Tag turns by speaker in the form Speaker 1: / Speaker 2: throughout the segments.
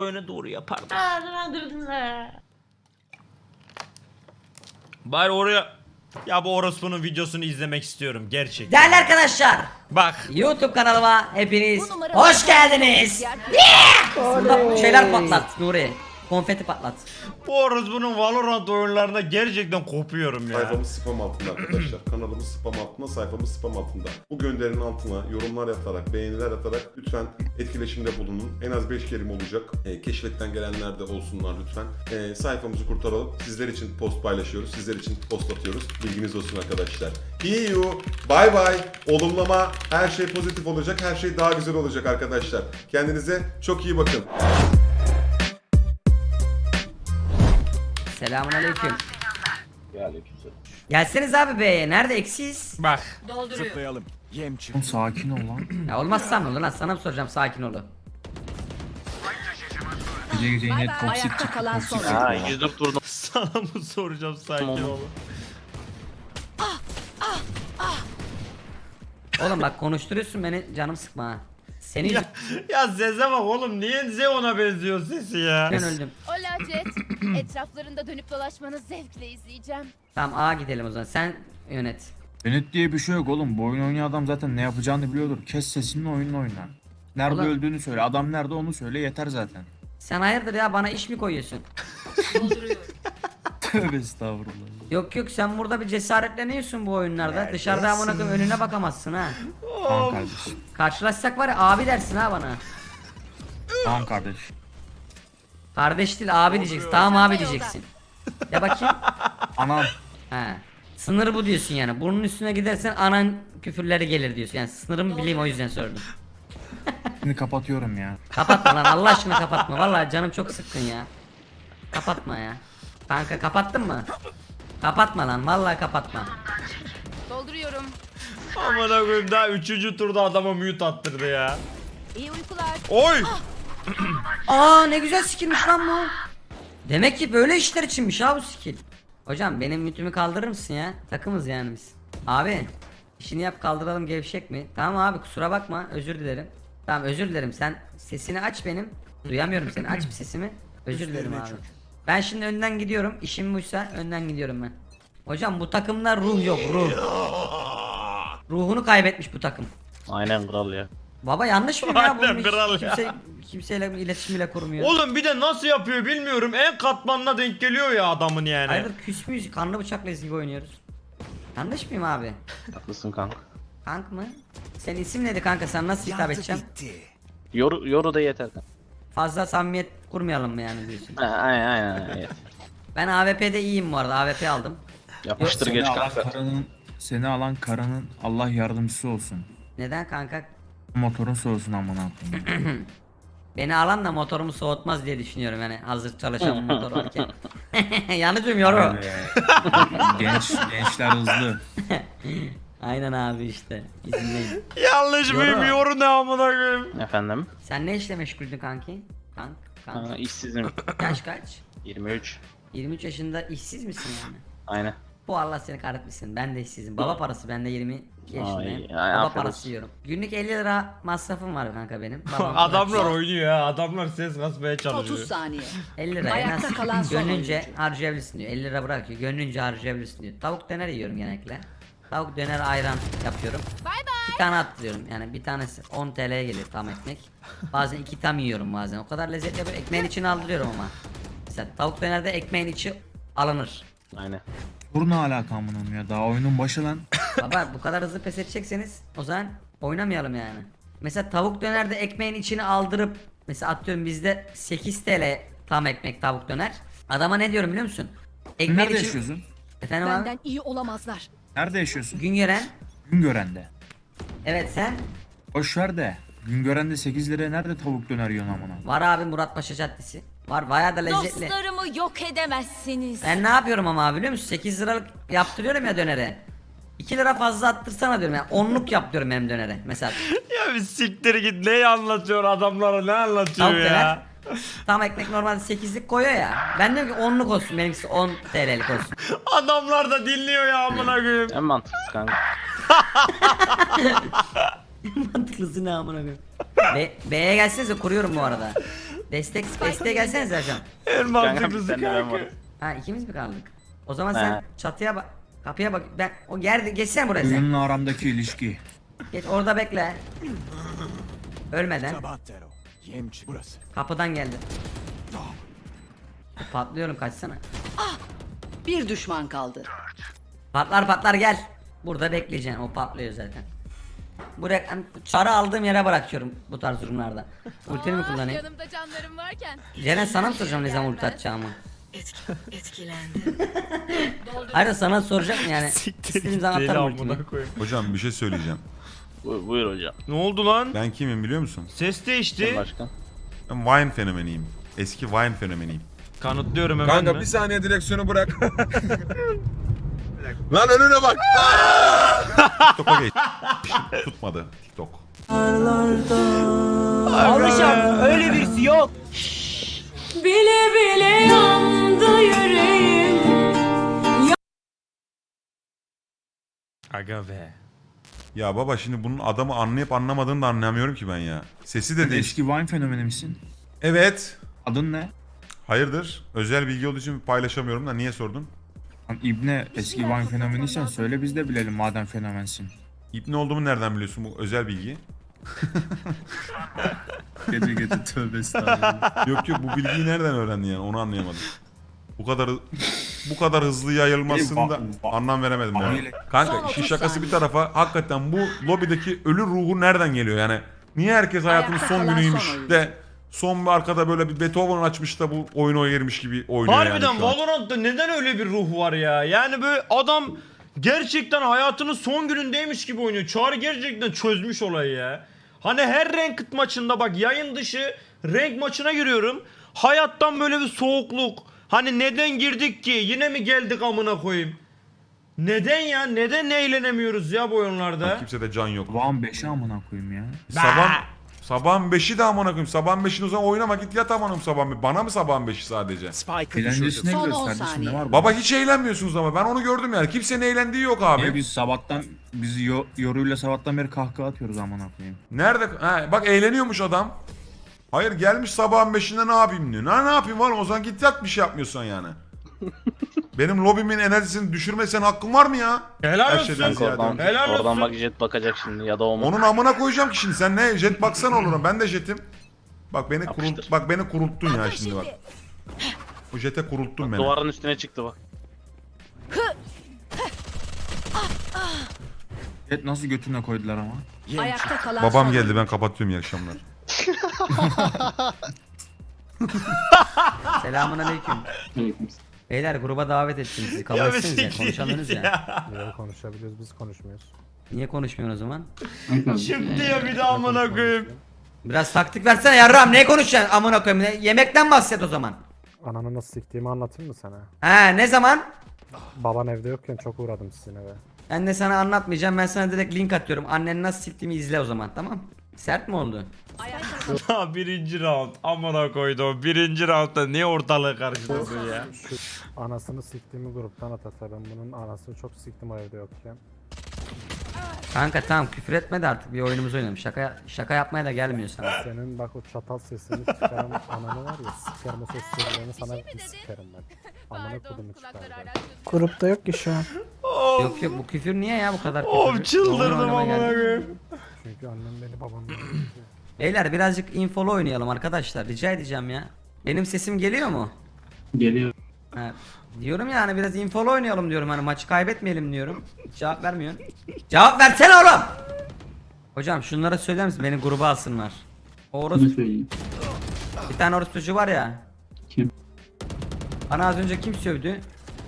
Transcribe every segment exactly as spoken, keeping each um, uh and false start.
Speaker 1: öne doğru yapardım. Bari oraya... Ya bu orospunun videosunu izlemek istiyorum gerçekten.
Speaker 2: Değerli arkadaşlar,
Speaker 1: Bak.
Speaker 2: YouTube kanalıma hepiniz hoş geldiniz. Yeah! Burada şeyler patlat Nuri. Konfeti patlat.
Speaker 1: Bu orospunun Valorant oyunlarında gerçekten kopuyorum ya.
Speaker 3: Sayfamız spam altında arkadaşlar. Kanalımız spam altında, sayfamız spam altında. Bu gönderinin altına yorumlar yaparak, beğeniler atarak lütfen etkileşimde bulunun. En az beş kelime olacak. E, keşfetten gelenler de olsunlar lütfen. E, sayfamızı kurtaralım. Sizler için post paylaşıyoruz. Sizler için post atıyoruz. Bilginiz olsun arkadaşlar. See you. Bye bye. Olumlama. Her şey pozitif olacak. Her şey daha güzel olacak arkadaşlar. Kendinize çok iyi bakın.
Speaker 2: Selamünaleyküm. Gelseniz abi B'ye. Nerede eksiz?
Speaker 1: Bak.
Speaker 4: Zıplayalım. Yem çık.
Speaker 5: Sakin ol lan.
Speaker 2: Ya olmazsa ne olur lan, sana mı soracağım, sakin ol.
Speaker 5: Gece gece yine toksik
Speaker 6: Ayakta
Speaker 5: çıktı.
Speaker 6: kalan
Speaker 5: Toksik
Speaker 6: son.
Speaker 5: çıktı.
Speaker 7: Ha
Speaker 5: ya.
Speaker 7: yüzüm durdum.
Speaker 1: Sana mı soracağım sakin ol.
Speaker 2: Oğlum bak konuşturuyorsun beni, canım sıkma ha. Senin
Speaker 1: Ya, ya Zeze bak oğlum, niye Zeon'a benziyor sesi ya?
Speaker 2: ben öldüm.
Speaker 8: Ola Jet, etraflarında dönüp dolaşmanı zevkle izleyeceğim.
Speaker 2: Tamam A gidelim o zaman, sen yönet.
Speaker 5: Yönet diye bir şey yok oğlum. Bu oyun oynayan adam zaten ne yapacağını biliyordur. Kes sesini, oyununu oyna. Nerede
Speaker 2: Ulan-
Speaker 5: öldüğünü söyle. Adam nerede onu söyle, yeter zaten.
Speaker 2: Sen hayırdır ya, bana iş mi koyuyorsun?
Speaker 5: Tövbe estağfurullah.
Speaker 2: Yok yok, sen burada bir cesaretleniyorsun bu oyunlarda. Dışarıda amına koyayım önüne bakamazsın ha.
Speaker 5: Tamam kardeş.
Speaker 2: Karşılaşsak var ya abi dersin ha bana.
Speaker 5: Tamam kardeş.
Speaker 2: Kardeş değil abi diyeceksin. Tamam abi diyeceksin. Ya bakayım.
Speaker 5: Anam.
Speaker 2: Ha. Sınır bu diyorsun yani. Bunun üstüne gidersen anan küfürleri gelir diyorsun. Yani sınırımı bileyim, o yüzden sordum.
Speaker 5: Şimdi kapatıyorum ya.
Speaker 2: Kapatma lan, Allah aşkına kapatma. Vallahi canım çok sıkkın ya. Kapatma ya. Kanka kapattın mı? Kapatma lan, vallahi kapatma.
Speaker 8: Dolduruyorum.
Speaker 1: Aman koyayım, daha üçüncü turda adama mute attırdı ya.
Speaker 8: İyi uykular.
Speaker 1: Oy!
Speaker 2: Aa ne güzel skillmiş lan bu. Demek ki böyle işler içinmiş ha bu skill. Hocam benim mütümü kaldırır mısın ya? Takımız yani biz. Abi işini yap, kaldıralım, gevşek mi? Tamam abi, kusura bakma, özür dilerim. Tamam özür dilerim, sen sesini aç benim. Duyamıyorum seni, aç bir sesimi. Özür dilerim abi. Ben şimdi önden gidiyorum, işim buysa önden gidiyorum ben. Hocam bu takımda ruh yok, ruh. Ruhunu kaybetmiş bu takım.
Speaker 7: Aynen kral ya.
Speaker 2: Baba yanlış mı ya?
Speaker 1: Aynen
Speaker 2: Bunun hiç
Speaker 1: kral ya.
Speaker 2: kimse, kimseyle iletişim bile kurmuyor.
Speaker 1: Oğlum bir de nasıl yapıyor bilmiyorum. En katmanına denk geliyor ya adamın yani.
Speaker 2: Hayırdır, küs müyüz? Kanlı bıçakla gibi oynuyoruz. Yanlış mıyım abi?
Speaker 7: Haklısın kanka.
Speaker 2: Kank mı? Senin isim neydi kanka? Sen nasıl hitap edeceğim?
Speaker 4: bitti.
Speaker 7: Yoru, yoru da yeter kanka.
Speaker 2: Fazla samimiyet kurmayalım mı yani diyorsun?
Speaker 7: Ha, aynen aynen. aynen.
Speaker 2: Ben A W P'de iyiyim bu arada. A W P aldım.
Speaker 7: Yapıştır
Speaker 5: Seni
Speaker 7: geç
Speaker 5: alan
Speaker 7: kanka.
Speaker 5: karanın, seni alan karanın Allah yardımcısı olsun.
Speaker 2: Neden kanka?
Speaker 5: Motorun soğusun amına koyayım.
Speaker 2: Beni alan da motorumu soğutmaz diye düşünüyorum yani, hazır çalışan bir motor varken. Yanlış mıyım yoru?
Speaker 5: Öyle. Genç gençler hızlı.
Speaker 2: Aynen abi işte. İzindeyim.
Speaker 1: Yanlış mıyım,
Speaker 2: Yoru.
Speaker 1: yoru ne amına koyayım.
Speaker 7: Efendim?
Speaker 2: Sen ne işle meşguldün kanki? Kank, kank.
Speaker 7: Ha, işsizim.
Speaker 2: Yaş kaç?
Speaker 7: yirmi üç.
Speaker 2: yirmi üç yaşında işsiz misin yani?
Speaker 7: Aynen.
Speaker 2: Bu Allah seni kahretmesin. Ben de işsizim. Baba parası, ben de yirmi yaşındayım.
Speaker 7: Ay, ay,
Speaker 2: Baba
Speaker 7: aferin
Speaker 2: parası
Speaker 7: olsun.
Speaker 2: yiyorum. Günlük elli lira masrafım var kanka benim. Babam
Speaker 1: Adamlar
Speaker 2: bırakıyor.
Speaker 1: oynuyor ya. Adamlar ses kasmaya çalışıyor.
Speaker 6: otuz saniye.
Speaker 2: elli lira en
Speaker 6: Ayakta
Speaker 2: az
Speaker 6: kalan son
Speaker 2: gönlünce
Speaker 6: oyuncu.
Speaker 2: harcayabilirsin diyor. elli lira bırakıyor. Gönlünce harcayabilirsin diyor. Tavuk döner yiyorum genellikle. Tavuk döner ayran yapıyorum.
Speaker 8: Bay bay.
Speaker 2: İki tane attırıyorum. Yani bir tanesi on T L'ye geliyor tam ekmek. Bazen iki tam yiyorum bazen. O kadar lezzetli yapıyor. Ekmeğin içine aldırıyorum ama. Mesela tavuk dönerde ekmeğin içi alınır.
Speaker 7: Aynen.
Speaker 5: Dur ne alaka amına koyayım ya. Daha oyunun başı lan.
Speaker 2: Baba bu kadar hızlı pes edecekseniz o zaman oynamayalım yani. Mesela tavuk dönerde ekmeğin içine aldırıp, mesela atıyorum bizde sekiz T L tam ekmek tavuk döner. Adama ne diyorum biliyor musun? Ekmeğin
Speaker 5: Nerede
Speaker 2: içi-
Speaker 5: yaşıyorsun?
Speaker 2: Efendim abi?
Speaker 6: Benden iyi olamazlar.
Speaker 5: Nerede yaşıyorsun?
Speaker 2: Güngören.
Speaker 5: Güngören'de.
Speaker 2: Evet sen?
Speaker 5: Boş ver de. Güngören'de sekiz liraya nerede tavuk döner yiyorsun amına?
Speaker 2: Var abi, Muratpaşa Caddesi. Var bayağı da lezzetli.
Speaker 8: Dostlarımı yok edemezsiniz.
Speaker 2: Ben ne yapıyorum ama abi biliyor musun? sekiz liralık yaptırıyorum ya dönere. iki lira fazla attırsana diyorum yani. Onluk yap diyorum hem dönere mesela.
Speaker 1: Ya bir siktir git, ne anlatıyor adamlara, ne anlatıyor
Speaker 2: Tavuk
Speaker 1: ya.
Speaker 2: döner. Tam ekmek normalde sekizlik koyuyor ya. Ben diyorum ki onluk olsun, benimkisi on T L'lik olsun.
Speaker 1: Adamlar da dinliyor ya amına koyayım.
Speaker 7: En mantıklısı kanka.
Speaker 2: Mantıklısı ne amına koyayım. Be B'ye gelsenize, kuruyorum bu arada. Destek desteğe gelsenize hocam.
Speaker 1: En
Speaker 7: Kanka
Speaker 1: mantıklısı
Speaker 7: sen de ben
Speaker 1: kanka.
Speaker 7: varım.
Speaker 2: Ha ikimiz mi kaldık? O zaman sen
Speaker 7: He.
Speaker 2: çatıya bak. Kapıya bak. Ben o yerde geçsene buraya sen.
Speaker 5: Oyunla aramdaki ilişki.
Speaker 2: Geç orada bekle. Ölmeden.
Speaker 4: Tabattero. Yem çıktı. Burası.
Speaker 2: Kapıdan geldi. Patlıyorum kaçsana.
Speaker 6: Bir düşman kaldı.
Speaker 2: Patlar patlar gel. Burada bekleyeceksin. O patlıyor zaten. Buraya hani çarı aldığım yere bırakıyorum bu tarz durumlarda. Ultimi mi
Speaker 8: Ah,
Speaker 2: kullanayım?
Speaker 8: yanımda canlarım varken.
Speaker 2: Ceren sana mı soracağım ne zaman ulti atacağımı?
Speaker 6: Etkilendi.
Speaker 2: Hayır sana soracak mı yani?
Speaker 1: Siktir
Speaker 2: İstediğim
Speaker 1: git
Speaker 2: zaman
Speaker 1: deli
Speaker 2: atarım ultimi.
Speaker 1: amına koyayım.
Speaker 3: Hocam bir şey söyleyeceğim.
Speaker 7: Bu- Buyur hocam.
Speaker 1: Ne oldu lan?
Speaker 3: Ben kimim biliyor musun?
Speaker 1: Ses
Speaker 7: Sen
Speaker 1: değişti.
Speaker 7: başkan.
Speaker 3: Ben Vine fenomeniyim. Eski Vine fenomeniyim.
Speaker 1: Kanıtlıyorum hemen
Speaker 9: Kanka
Speaker 1: mi?
Speaker 9: bir saniye direksiyonu bırak. Lan önüne bak.
Speaker 3: TikTok'a geç. Tutmadı TikTok.
Speaker 6: Bile bile yandı yüreğim.
Speaker 1: Aga be.
Speaker 3: Ya baba şimdi bunun adamı anlayıp anlamadığını da anlamıyorum ki ben ya. Sesi de değil.
Speaker 5: Eski Vine fenomeni misin?
Speaker 3: Evet.
Speaker 5: Adın ne?
Speaker 3: Hayırdır? Özel bilgi olduğu için paylaşamıyorum da niye sordun?
Speaker 5: Lan İbne eski Vine fenomeniysen söyle biz de bilelim madem fenomensin.
Speaker 3: İbni olduğumu nereden biliyorsun bu özel bilgi?
Speaker 5: Gece gece tövbe estağfurullah.
Speaker 3: Yok yok bu bilgiyi nereden öğrendin yani onu anlayamadım. Bu kadar bu kadar hızlı yayılmasında anlam veremedim yani. Kanka işin şakası bir tarafa hakikaten bu lobideki ölü ruhu nereden geliyor yani? Niye herkes hayatının
Speaker 6: Ayakta
Speaker 3: son
Speaker 6: kalan
Speaker 3: günüymüş
Speaker 6: son oyuncu.
Speaker 3: de son bir arkada böyle bir Beethoven açmış da bu oyunu girmiş gibi oynuyor
Speaker 1: Harbiden
Speaker 3: yani şu an.
Speaker 1: Valorant'ta neden öyle bir ruh var ya? Yani böyle adam gerçekten hayatının son günündeymiş gibi oynuyor. Çağrı gerçekten çözmüş olayı ya. Hani her ranked maçında bak yayın dışı rank maçına giriyorum. Hayattan böyle bir soğukluk. Hani neden girdik ki? Yine mi geldik amına koyayım? Neden ya? Neden eğlenemiyoruz ya bu oyunlarda?
Speaker 3: Kimsede can yok.
Speaker 5: Van beşi amına koyayım ya.
Speaker 3: Sabah sabahın beşi de amına koyayım. Sabahın beşini o zaman oynama git yat amına koyayım sabahın be- Bana mı sabahın beşi sadece?
Speaker 4: Spike'ı
Speaker 5: Eğlencesine
Speaker 4: düşürdüm.
Speaker 6: Son
Speaker 5: gidiyoruz
Speaker 6: on
Speaker 5: kardeşim
Speaker 6: saniye.
Speaker 5: ne var bu?
Speaker 3: Baba hiç eğlenmiyorsunuz ama ben onu gördüm yani. Kimsenin eğlendiği yok abi.
Speaker 5: Niye biz sabahtan biz yo- yoruyla sabahtan beri kahkaha atıyoruz amına koyayım.
Speaker 3: Nerede? Ha, bak eğleniyormuş adam. Hayır gelmiş sabahın beşinde ne yapayım diyor. Ne, ne yapayım oğlum o zaman git yat bir şey yapmıyorsan yani. Benim lobimin enerjisini düşürmesen hakkın var mı ya?
Speaker 1: Helal
Speaker 3: Her
Speaker 1: olsun.
Speaker 3: şeyden
Speaker 7: Kanka
Speaker 3: ziyade.
Speaker 7: oradan,
Speaker 1: Helal
Speaker 7: oradan
Speaker 1: olsun.
Speaker 7: bak jet bakacak şimdi ya da o mu?
Speaker 3: Onun amına koyacağım ki şimdi sen ne jet baksana olurum ben de jetim. Bak beni
Speaker 7: Yapıştır.
Speaker 3: kurult bak beni kurulttun ya şimdi bak. Bu jete kurulttun beni.
Speaker 7: Duvarın üstüne çıktı bak.
Speaker 5: Evet nasıl götüne koydular ama.
Speaker 6: Ayakta kalan
Speaker 3: Babam
Speaker 6: son
Speaker 3: geldi ben kapatıyorum iyi akşamlar.
Speaker 2: Selamun aleyküm. Beyler gruba davet ettim sizi. Kabul
Speaker 1: Ya
Speaker 2: etsiniz ya.
Speaker 1: siktir
Speaker 2: Konuşalınız
Speaker 1: git
Speaker 2: ya.
Speaker 10: Niye konuşabiliyoruz biz konuşmuyoruz.
Speaker 2: Niye konuşmuyorsun o zaman?
Speaker 1: Çıktı ya bir daha amına koyayım.
Speaker 2: Biraz taktik versene yarram. Ne konuşacaksın amına koyayım? Ne- Yemekten bahset o zaman.
Speaker 10: Ananı nasıl siktiğimi anlatayım mı sana?
Speaker 2: He ne zaman?
Speaker 10: Baban evde yokken çok uğradım sizin eve.
Speaker 2: Ben de sana anlatmayacağım. Ben sana direkt link atıyorum. Anneni nasıl siktiğimi izle o zaman tamam? Sert mi oldu?
Speaker 1: Ha birinci round amına koydum. Birinci roundda niye ortalığı karıştırdın ya?
Speaker 10: Şu anasını siktiğimi gruptan at atarım. Bunun anasını çok siktim o evde yokken.
Speaker 2: Kanka tamam küfür etme de artık bir oyunumuzu oynayalım. Şaka şaka yapmaya da gelmiyor sana.
Speaker 10: Senin bak o çatal sesini çıkaran ananı var ya sikerim o seslerini sana bir sikerim ben. Amına
Speaker 8: Pardon
Speaker 10: kodumu
Speaker 8: kulakları
Speaker 10: çıkaracağım.
Speaker 8: araştırdım.
Speaker 10: Grupta yok ki şu an.
Speaker 2: Yok yok bu küfür niye ya bu kadar küfür?
Speaker 1: Of
Speaker 2: Oyun
Speaker 1: çıldırdım
Speaker 2: oynamaya
Speaker 1: amına
Speaker 2: geldik.
Speaker 1: koyayım.
Speaker 10: Çünkü annem beni babamla
Speaker 2: Beyler birazcık infolu oynayalım arkadaşlar. Rica edeceğim ya. Benim sesim geliyor mu?
Speaker 7: Geliyor.
Speaker 2: Ha, diyorum ya hani biraz infolu oynayalım diyorum hani maçı kaybetmeyelim diyorum. Hiç cevap vermiyorsun. Cevap versene oğlum. Hocam şunlara söyler misin beni gruba alsınlar. O orospu... Bir tane orospucu var ya.
Speaker 7: Kim?
Speaker 2: Bana az önce kim sövdü?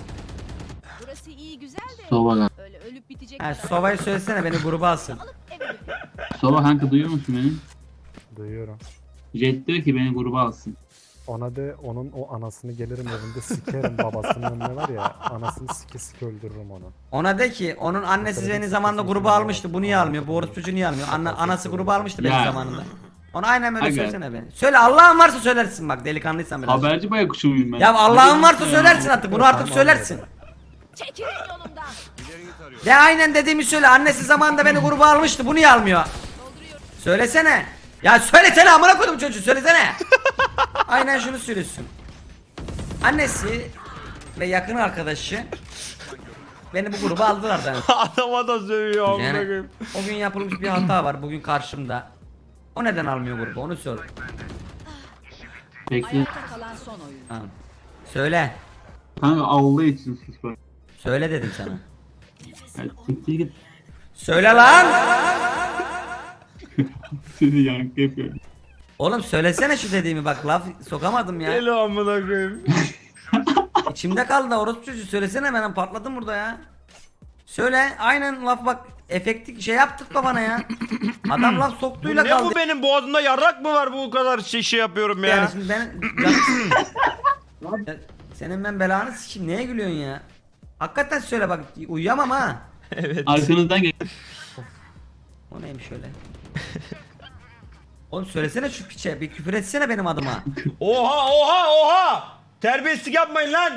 Speaker 8: Burası iyi güzel de.
Speaker 7: Sova.
Speaker 8: Öyle ölüp bitecek.
Speaker 2: Ha
Speaker 8: kadar.
Speaker 2: Sova'yı söylesene beni gruba alsın.
Speaker 8: Evet.
Speaker 7: Sova kanka duyuyor musun beni?
Speaker 10: duyuyorum.
Speaker 7: Jet diyor ki beni gruba alsın.
Speaker 10: Ona de onun o anasını gelirim evinde sikerim babasının önüne var ya anasını sike sike öldürürüm onu.
Speaker 2: Ona de ki onun annesi beni zamanında gruba almıştı. Bu niye almıyor? Bu orospucu niye almıyor? Anna, anası gruba almıştı benim
Speaker 7: Ya.
Speaker 2: zamanında. Ona aynen böyle
Speaker 7: Aga.
Speaker 2: söylesene beni. Söyle Allah'ın varsa söylersin bak delikanlıysan biraz.
Speaker 7: Haberci bayakuşu muyum ben?
Speaker 2: Ya Allah'ın varsa
Speaker 7: Ya.
Speaker 2: söylersin artık. Bunu artık söylersin.
Speaker 8: Çekilin yolumdan.
Speaker 2: De aynen dediğimi söyle. Annesi zamanında beni gruba almıştı. Bu niye almıyor? Söylesene. Ya söylesene amına koydum çocuğu söylesene. Aynen şunu söylüyorsun. Annesi ve yakın arkadaşı beni bu gruba aldılar da.
Speaker 1: Adama da sövüyor amına
Speaker 2: Yani
Speaker 1: koyayım.
Speaker 2: o gün yapılmış bir hata var bugün karşımda. O neden almıyor grubu onu sor.
Speaker 7: Bekle.
Speaker 6: Ayakta kalan son oyun.
Speaker 2: Tamam. Söyle.
Speaker 7: Kanka Allah için sus bak.
Speaker 2: Söyle dedim sana.
Speaker 7: Ya, siktir git.
Speaker 2: Söyle lan.
Speaker 7: Seni yankı yapıyorum.
Speaker 2: Oğlum söylesene şu dediğimi bak laf sokamadım ya.
Speaker 1: Deli amına koyayım.
Speaker 2: İçimde kaldı orospu çocuğu söylesene ben patladım burada ya. Söyle aynen laf bak efektik şey yaptık babana ya. Adam laf
Speaker 1: Bu
Speaker 2: soktuyla
Speaker 1: ne
Speaker 2: kaldı.
Speaker 1: bu benim boğazımda yarrak mı var bu kadar şey, şey yapıyorum ya.
Speaker 2: Yani şimdi ben Ya senin ben belanı sikeyim neye gülüyorsun ya? Hakikaten söyle bak uyuyamam ha.
Speaker 7: Arkanızdan gel.
Speaker 2: O neymiş öyle? Oğlum söylesene şu piçe bir küfür etsene benim adıma.
Speaker 1: Oha oha oha. Terbiyesizlik yapmayın lan.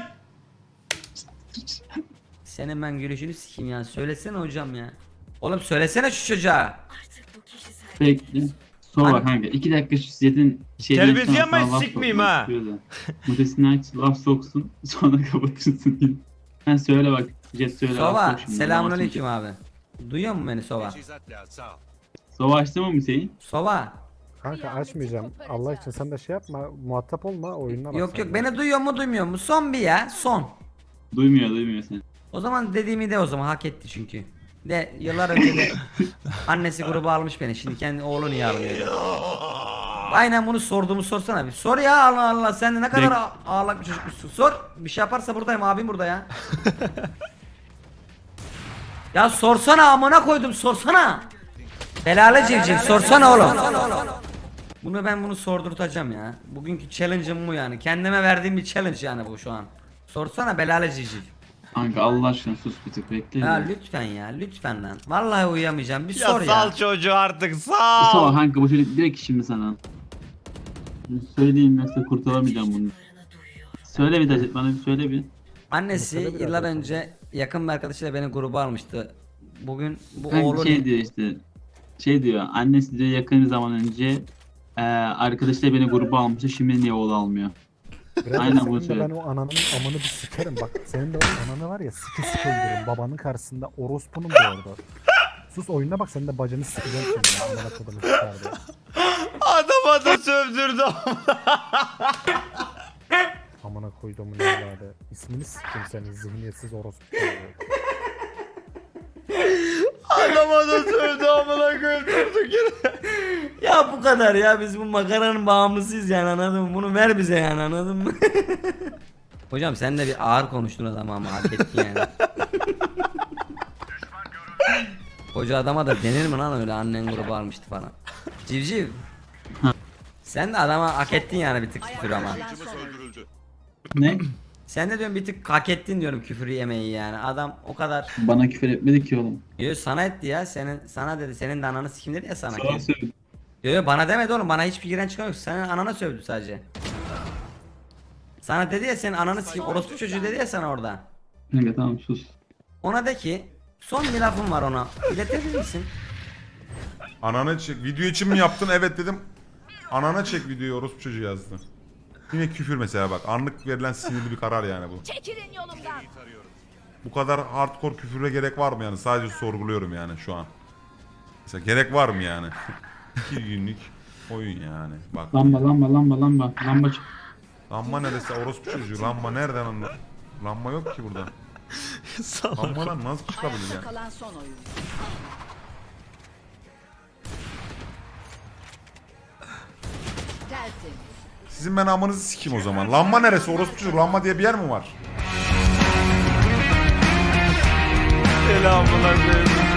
Speaker 2: Senin ben gülüşünü sikeyim ya söylesene hocam ya. Oğlum söylesene şu çocuğa.
Speaker 7: Bekle. Sonra
Speaker 2: Hani-
Speaker 7: bak kanka iki dakika şu Zed'in şeyden
Speaker 1: Terbiyesiz
Speaker 7: sonra
Speaker 1: yapmayın,
Speaker 7: sana laf
Speaker 1: sikmeyeyim
Speaker 7: sokmak
Speaker 1: ha.
Speaker 7: istiyor da. Mutesini aç laf soksun sonra kapatırsın yine. Ha söyle bak Zed söyle. laf
Speaker 2: Sova
Speaker 7: sok şimdi,
Speaker 2: selamünaleyküm
Speaker 7: laf
Speaker 2: abi. Duyuyor musun beni Sova?
Speaker 9: Teçhizat lazım. Sağ ol.
Speaker 7: sok. Sova açtı mı Hüseyin?
Speaker 2: Sova.
Speaker 10: Kanka açmayacağım. Allah için sen de şey yapma. Muhatap olma oyununa bak.
Speaker 2: Yok
Speaker 10: sen
Speaker 2: yok
Speaker 10: de.
Speaker 2: beni duyuyor mu duymuyor mu? Son bir ya son.
Speaker 7: Duymuyor duymuyor seni.
Speaker 2: O zaman dediğimi de o zaman hak etti çünkü. De yıllar önce de annesi grubu almış beni şimdi kendi oğlu niye almıyor? Aynen bunu sorduğumu sorsana bir. Sor ya Allah Allah sen de ne kadar
Speaker 7: Bek-
Speaker 2: ağ- ağlak bir çocukmuşsun. Sor bir şey yaparsa buradayım abim burada ya. Ya sorsana amına koydum sorsana. Belalı civciv sorsana oğlum. Bunu ben bunu sordurtacağım ya. Bugünkü challenge'ım bu yani. Kendime verdiğim bir challenge yani bu şu an. Sorsana belalı civciv.
Speaker 7: Kanka Allah aşkına sus bir tık bekle.
Speaker 2: Ya
Speaker 7: Ya,
Speaker 2: lütfen ya lütfen lan. Vallahi uyuyamayacağım. Bir
Speaker 1: Ya
Speaker 2: sor
Speaker 1: sal
Speaker 2: ya.
Speaker 1: çocuğu artık
Speaker 7: Sova
Speaker 1: sal.
Speaker 7: kanka bu çocuk direkt şimdi sana. Söyleyeyim yoksa kurtulamayacağım bunu. Söyle bir de bana bir söyle bir.
Speaker 2: Annesi
Speaker 10: Mesela biraz
Speaker 2: yıllar
Speaker 10: daha
Speaker 2: önce yakın bir arkadaşıyla beni gruba almıştı. Bugün bu
Speaker 7: Kanka
Speaker 2: oğlun
Speaker 7: şey diyor işte. Şey diyor annesi diyor yakın bir zaman önce e, arkadaşlar beni gruba almıştı şimdi niye oğlu almıyor?
Speaker 10: Birader,
Speaker 7: Aynen
Speaker 10: senin
Speaker 7: bunu
Speaker 10: de
Speaker 7: söyle.
Speaker 10: ben o ananın amını bir sikerim bak. Senin de o ananı var ya sike sike öldürürüm. Babanın karşısında orospunun da orada. Sus oyununa bak senin de bacını sikeceğim şimdi. ya, Amına kodumu sikerdi.
Speaker 1: Adama da sövdürdü.
Speaker 10: Amına koyduğumun evladı. İsmini sikeyim senin zihniyetsiz orospu.
Speaker 1: Adama da sövdü amına koyayım durduk yere.
Speaker 2: Ya bu kadar ya biz bu makaranın bağımlısıyız yani anladın mı? Bunu ver bize yani anladın mı? Hocam sen de bir ağır konuştun adama ama hak ettin yani. Koca adama da denir mi lan öyle annen grubu almıştı falan. Civciv. Sen de adama hak ettin yani bir tık küfür ama.
Speaker 6: Kalan son oyun.
Speaker 9: Öldürüldü.
Speaker 7: Ne?
Speaker 2: Sen de diyorum bir tık hak ettin diyorum küfür yemeyi yani. Adam o kadar.
Speaker 7: Bana küfür etmedi ki oğlum.
Speaker 2: Yo sana etti ya. Senin sana dedi. Senin de ananı sikim dedi ya sana.
Speaker 7: Sana söyledi.
Speaker 2: Yo yo bana demedi oğlum. Bana hiçbir giren çıkan yok. Senin anana sövdü sadece. Sana dedi ya senin ananı sikim orospu çocuğu dedi ya sana orada.
Speaker 7: Kanka tamam sus.
Speaker 2: Ona de ki son bir lafım var ona. İletebilir misin?
Speaker 3: Anana çek. Video için mi yaptın? Evet dedim. Anana çek videoyu orospu çocuğu yazdı. Yine küfür mesela bak. Anlık verilen sinirli bir karar yani bu.
Speaker 8: Çekilin yolumdan.
Speaker 3: Bu kadar hardcore küfüre gerek var mı yani? Sadece sorguluyorum yani şu an. Mesela gerek var mı yani? İki günlük oyun yani. Bak.
Speaker 7: Lamba lamba lamba lamba. Lamba çık.
Speaker 3: Lamba neresi? Orospu çocuğu. Lamba nereden anla? Lamba yok ki burada. Lambadan nasıl çıkabilir
Speaker 6: Ayakta
Speaker 3: yani?
Speaker 6: kalan son oyun. Tertemiz.
Speaker 3: Sizin ben amınızı sikeyim o zaman. Lamba neresi? Orospu çocuğu. Lamba diye bir yer mi var?
Speaker 1: Deli amına koyayım.